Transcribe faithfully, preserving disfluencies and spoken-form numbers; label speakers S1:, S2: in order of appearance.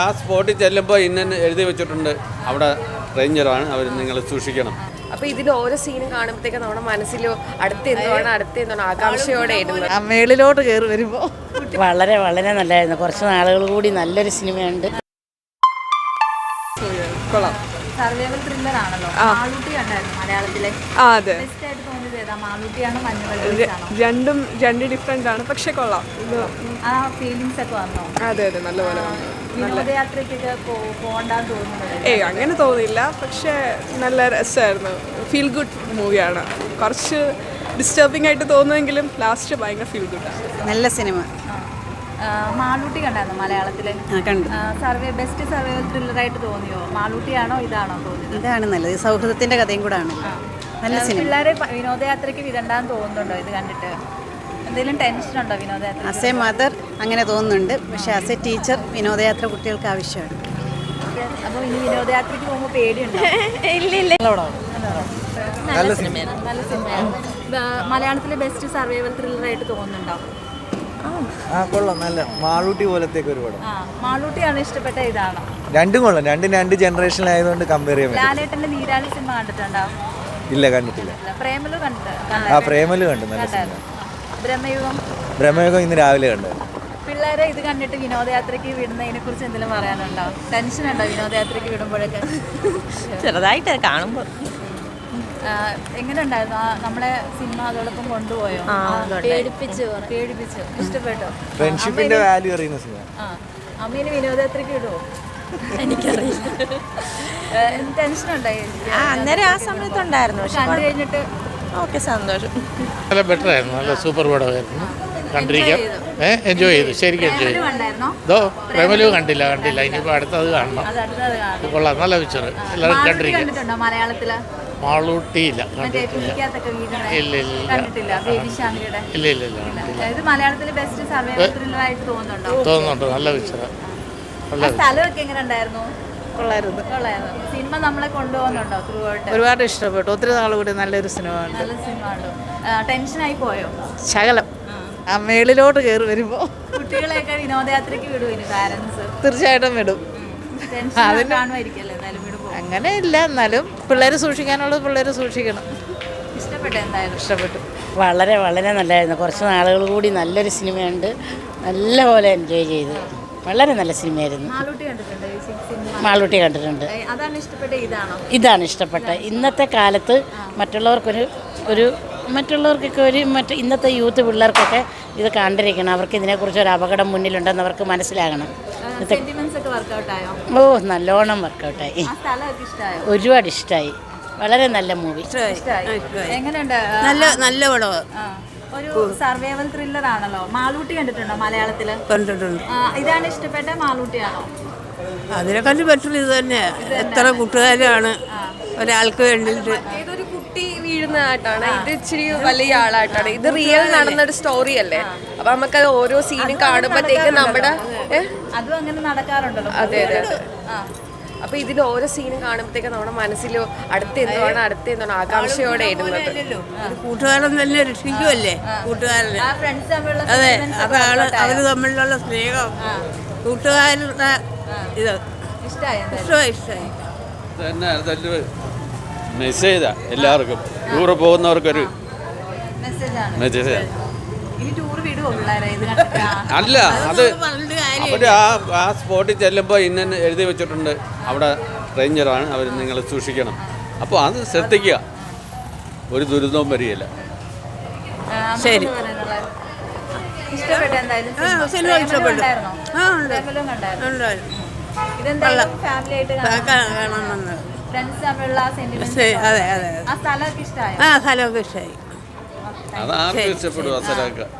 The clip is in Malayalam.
S1: ആ സ്പോട്ടിൽ ചെല്ലുമ്പോൾ ഇന്ന എഴുതി വെച്ചിട്ടുണ്ട്, അവിടെ റേഞ്ചറാണ്, അവർ നിങ്ങൾ സൂക്ഷിക്കണം.
S2: അപ്പൊ ഇതിൽ ഓരോ സീനും കാണുമ്പോഴത്തേക്ക് നമ്മുടെ മനസ്സിലോ അടുത്ത എന്താണ് അടുത്ത എന്താണ് ആകാംക്ഷയോടെ
S3: ആ മേളിലോട്ട് കയറി വരുമ്പോൾ
S4: വളരെ വളരെ നല്ലതായിരുന്നു. കുറച്ച് നാളുകൾ കൂടി നല്ലൊരു സിനിമയുണ്ട്.
S3: കൊള്ളാം.
S5: സർവൈവൽ ത്രില്ലർ ആണല്ലോ. മാളൂട്ടി കണ്ടായിരുന്നു മലയാളത്തിലെ.
S3: ആ അതെ,
S5: ബെസ്റ്റ് ആയിട്ട് തോന്നിയത് ഏതാ? മാളൂട്ടിയാണോ മഞ്ഞുവെള്ളമാണോ?
S3: രണ്ടും രണ്ട് ഡിഫറെന്റ് ആണ്, പക്ഷെ കൊള്ളാം. ഇത്
S5: ആ ഫീലിങ്സ് ഒക്കെ വന്നോ?
S3: അതെ അതെ, നല്ലപോലെ വന്നു.
S5: വിനോദയാത്രയ്ക്കൊക്കെ പോകണ്ടാന്ന് തോന്നുന്നുണ്ട്.
S3: ഏയ് അങ്ങനെ തോന്നിയില്ല, പക്ഷെ നല്ല രസമായിരുന്നു. ഫീൽ ഗുഡ് മൂവിയാണ്. കുറച്ച് ഡിസ്റ്റർബിംഗ് ആയിട്ട് തോന്നുമെങ്കിലും ലാസ്റ്റ് ഭയങ്കര ഫീൽ ഗുഡാണ്.
S6: നല്ല സിനിമ.
S5: മാളൂട്ടി കണ്ടായിരുന്നു മലയാളത്തിലെ.
S6: കണ്ടു.
S5: സർവേ ബെസ്റ്റ് സർവൈവൽ ത്രില്ലർ ആയിട്ട് തോന്നിയോ? മാളൂട്ടിയാണോ ഇതാണോ തോന്നിയത്?
S6: ഇതാണ് നല്ലത്. സൗഹൃദത്തിന്റെ കഥയും കൂടെ ആണ്. നല്ല സിനിമ.
S5: പിള്ളേരെ വിനോദയാത്രയ്ക്ക് വിടണ്ടാന്ന് തോന്നുന്നുണ്ടോ ഇത് കണ്ടിട്ട്? എന്തെങ്കിലും ടെൻഷൻ ഉണ്ടോ വിനോദയാത്ര?
S6: ആസ് എ മദർ അങ്ങനെ തോന്നുന്നുണ്ട്, പക്ഷെ ആസ് എ ടീച്ചർ വിനോദയാത്ര കുട്ടികൾക്ക് ആവശ്യമാണ്.
S5: അപ്പോൾ ഇനി വിനോദയാത്രയ്ക്ക് പോകുമ്പോൾ പേടിയുണ്ടോ?
S2: ഇല്ല ഇല്ല
S5: നല്ല സിനിമയാണ്. നല്ല സിനിമയാണ്. മലയാളത്തിലെ ബെസ്റ്റ് സർവൈവൽ ത്രില്ലർ ആയിട്ട് തോന്നുന്നുണ്ടോ?
S7: ആ കൊള്ളാം. നല്ല മാളൂട്ടി പോലത്തേക്ക് ഒരു പടം.
S5: ആ മാളൂട്ടിയാണ് ഇഷ്ടപ്പെട്ട ഇതാണോ?
S7: രണ്ടും കൊള്ളാം. രണ്ടും രണ്ട് ജനറേഷനിലായതുകൊണ്ട് കമ്പയർ ചെയ്യാൻ പറ്റും.
S5: ലാലേട്ടന്റെ നീരാളി സിനിമ കണ്ടിട്ടുണ്ടോ?
S7: ഇല്ല, കണ്ടിട്ടില്ല.
S5: പ്രേമലു കണ്ടിട്ട്
S7: ആ പ്രേമല് കണ്ടു. നല്ല സിനിമ.
S5: ബ്രഹ്മയുഗം
S7: ബ്രഹ്മയുഗം ഇന്ന് രാവിലെ കണ്ടു.
S5: പിള്ളേരെ ഇത് കണ്ടിട്ട് വിനോദയാത്രയ്ക്ക് വിടുന്നതിനെ കുറിച്ച് എന്തെങ്കിലും പറയാനുണ്ടോ? ടെൻഷൻ ഉണ്ടോ വിനോദയാത്രയ്ക്ക് വിടുമ്പോഴൊക്കെ?
S2: ചെറുതായിട്ട് കാണുമ്പോൾ
S5: എങ്ങനെ ഉണ്ടായിരുന്നു നമ്മളെ സിനിമ അതോടൊപ്പം കൊണ്ടുപോയോ? പേടിപ്പിച്ചു പേടിപ്പിച്ചു ഇഷ്ടപ്പെട്ടോ?
S7: ഫ്രണ്ട്ഷിപ്പിന്റെ വാല്യൂ അറിയുന്ന സിനിമ.
S5: ആ അമ്മേനെ വിനോദയാത്രയ്ക്ക് വിടുവോ?
S2: എനിക്കറിയില്ല.
S5: ടെൻഷൻ ഉണ്ടായി
S2: അന്നേരം ആ സമയത്തുണ്ടായിരുന്നു, പക്ഷെ
S5: കണ്ടു കഴിഞ്ഞിട്ട്
S2: ഓക്കെ സന്തോഷം.
S8: നല്ല ബെറ്റർ ആയിരുന്നു. നല്ല സൂപ്പർ പടമായിരുന്നു. കണ്ടിരിക്കാം. ഏഹ് എൻജോയ് ചെയ്തു, ശരിക്കും എൻജോയ് ചെയ്തു.
S5: കണ്ടായിരുന്നോ?
S8: ഇതോ പ്രേമലു കണ്ടില്ല കണ്ടില്ല ഇനിയിപ്പോൾ അടുത്തത് കാണണം.
S5: അത് അടുത്തത് കാണാം.
S8: കൊള്ളാം, നല്ല പിക്ചർ. എല്ലാവരും കണ്ടിരിക്കാം.
S5: കണ്ടിട്ടുണ്ടോ മലയാളത്തില്?
S8: മാളൂട്ടിയില്ല,
S5: മറ്റേ
S8: കണ്ടിട്ടില്ല.
S5: പുലിക്കകത്തൊക്കെ വീഴുന്ന
S8: ഇല്ല ഇല്ല
S5: കണ്ടിട്ടില്ല. ബേബി ശാന്തിയുടെ
S8: ഇല്ല ഇല്ല ഇല്ല കണ്ടില്ല.
S5: ഇത് മലയാളത്തിലെ ബെസ്റ്റ് സർവൈവൽ ത്രില്ലർ ആയിട്ട് തോന്നുന്നുണ്ടോ?
S8: തോന്നുന്നുണ്ട്. നല്ല പിക്ചറാണ്. നല്ല
S5: ആ സ്ഥലമൊക്കെ എങ്ങനെ ഉണ്ടായിരുന്നു?
S3: കൊള്ളായിരുന്നു.
S5: കൊള്ളായിരുന്നു. സിനിമ നമ്മളെ കൊണ്ടുപോകുന്നുണ്ടോ ത്രൂ ഔട്ട്?
S3: ഒരുപാട് ഇഷ്ടപ്പെട്ടു. ഒത്തിരി നാൾ കൂടി നല്ലൊരു സിനിമ ഉണ്ട്.
S5: നല്ല സിനിമ ഉണ്ടോ? ടെൻഷനായി പോയോ?
S3: ശകലം. ആ മേളിലോട്ട് കയറി വരുമ്പോൾ
S5: കുട്ടികളെയൊക്കെ വിനോദയാത്രയ്ക്ക് വിടുവിന് പാരന്റ്സ്?
S3: തീർച്ചയായിട്ടും വിടും.
S5: ടെൻഷൻ കാണുമായിരിക്കല്ലേ എന്തായാലും വിടുമ്പോൾ?
S3: അങ്ങനെ ഇല്ല, എന്നാലും പിള്ളേർ സൂക്ഷിക്കാനുള്ളത് പിള്ളേർ സൂക്ഷിക്കണം.
S5: ഇഷ്ടപ്പെട്ടു എന്തായാലും?
S3: ഇഷ്ടപ്പെട്ടു.
S4: വളരെ വളരെ നല്ലതായിരുന്നു. കുറച്ച് നാളുകൾ കൂടി നല്ലൊരു സിനിമയുണ്ട്. നല്ലപോലെ എൻജോയ് ചെയ്തു. വളരെ നല്ല സിനിമയായിരുന്നു.
S5: മാളൂട്ടി കണ്ടിട്ടുണ്ടോ? ഈ സിനിമ
S4: മാളൂട്ടി കണ്ടിട്ടുണ്ട്.
S5: അതാണ് ഇഷ്ടപ്പെട്ട ഇതാണോ?
S4: ഇതാണ് ഇഷ്ടപ്പെട്ട. ഇന്നത്തെ കാലത്ത് മറ്റുള്ളവർക്കൊരു ഒരു മറ്റുള്ളവർക്കൊക്കെ ഒരു മറ്റ് ഇന്നത്തെ യൂത്ത് പിള്ളേർക്കൊക്കെ ഇത് കണ്ടിരിക്കണം. അവർക്ക് ഇതിനെക്കുറിച്ച് ഒരു അപകടം മുന്നിലുണ്ടെന്ന് അവർക്ക് മനസ്സിലാകണം.
S5: സെന്റിമെന്റ്സ് ഒക്കെ വർക്കൗട്ട് ആയോ?
S4: ഓ നല്ലോണം വർക്കൗട്ടായി.
S5: ആ സ്ഥലമൊക്കെ ഇഷ്ടമായോ?
S4: ഒരുപാട് ഇഷ്ടമായി. വളരെ നല്ല മൂവി.
S5: ഇഷ്ടമായി. എങ്ങനെയുണ്ട്?
S6: നല്ല നല്ല പടം.
S5: ആ, ഒരു സർവൈവൽ ത്രില്ലർ ആണല്ലോ. മാളൂട്ടി കണ്ടിട്ടുണ്ടോ മലയാളത്തില്?
S6: കണ്ടിട്ടുണ്ട്.
S5: ആ, ഇതാണ് ഇഷ്ടപ്പെട്ട മാളൂട്ടിയാണോ?
S6: അതിനെക്കാട്ടി ബെറ്റർ ഇത് തന്നെ. എത്ര കൂട്ടുകാരാണ് ഒരാൾക്ക് വേണ്ടിയിട്ട്.
S2: ഏതൊരു കുട്ടി വീഴുന്ന ആട്ടാണ്, ഇത് ഇച്ചിരി വലിയ ആളായിട്ടാണ്. ഇത് റിയൽ നടന്നൊരു സ്റ്റോറി അല്ലേ, അപ്പൊ നമുക്കത് ഓരോ സീനും കാണുമ്പോഴത്തേക്ക് നമ്മുടെ
S5: അതും അങ്ങനെ നടക്കാറുണ്ടല്ലോ.
S2: അതെ അതെ അതെ.
S5: ആ
S2: അപ്പൊ ഇതിൽ ഓരോ സീനും കാണുമ്പോഴത്തേക്ക് നമ്മുടെ മനസ്സിലോ അടുത്ത എന്താണ് അടുത്ത എന്താണ് ആകാംക്ഷയോടെ ഇടുന്നത്.
S6: കൂട്ടുകാരൻ തന്നെ രക്ഷിക്കുമല്ലേ കൂട്ടുകാരനെ.
S5: ആ ഫ്രണ്ട്സ് തമ്മിലുള്ള
S6: അതെ,
S5: sentiments ഒക്കെ
S6: അതാണ്
S5: workout ആയോ?
S6: അവര് തമ്മിലുള്ള സ്നേഹം. കൂട്ടുകാരുടെ ഇത്
S5: ഇഷ്ടായോ എന്തായാലും?
S6: ഇഷ്ടമായി ഇഷ്ടമായി.
S1: തന്നെ അതല്ല മെസ്സേജാ എല്ലാവർക്കും, ടൂറ് പോകുന്നവർക്കൊരു
S5: മെസ്സേജാണ്.
S1: മെസ്സേജ്.
S5: ഇനി ടൂർ വിടുവോ പിള്ളേരെ ഇത് കണ്ടിട്ട്?
S1: അല്ല, അത് അവർ ആ ആ സ്പോട്ടിൽ ചെല്ലുമ്പോൾ ഇന്ന എഴുതി വെച്ചിട്ടുണ്ട്, അവിടെ റേഞ്ചറാണ്, അവർ നിങ്ങൾ സൂക്ഷിക്കണം. അപ്പോൾ അത് ശ്രദ്ധിക്കുക, ഒരു ദുരിതവും വരികയില്ല.
S6: ശരി.
S5: ഇഷ്ടപ്പെട്ടു എന്തായാലും?
S6: സിനിമ ഇഷ്ടപ്പെട്ടു.
S5: കണ്ടായിരുന്നോ?
S6: ആ ഉണ്ട്.
S5: പ്രേമലു കണ്ടായിരുന്നോ?
S6: ഉണ്ടായിരുന്നു.
S5: ഇതെന്തായാലും ഫാമിലി ആയിട്ട്
S6: കാണാൻ വന്നത്.
S5: ഫ്രണ്ട്സ് തമ്മിലുള്ള സെന്റിമെന്റ്സ്.
S6: അതെ അതെ.
S5: ആ സ്ഥലമൊക്കെ ഇഷ്ടമായോ?
S6: ആ സ്ഥലമൊക്കെ ഇഷ്ടമായി.
S1: അത് ആർക്കും ഇഷ്ടപ്പെടും ആ സ്ഥലമൊക്കെ.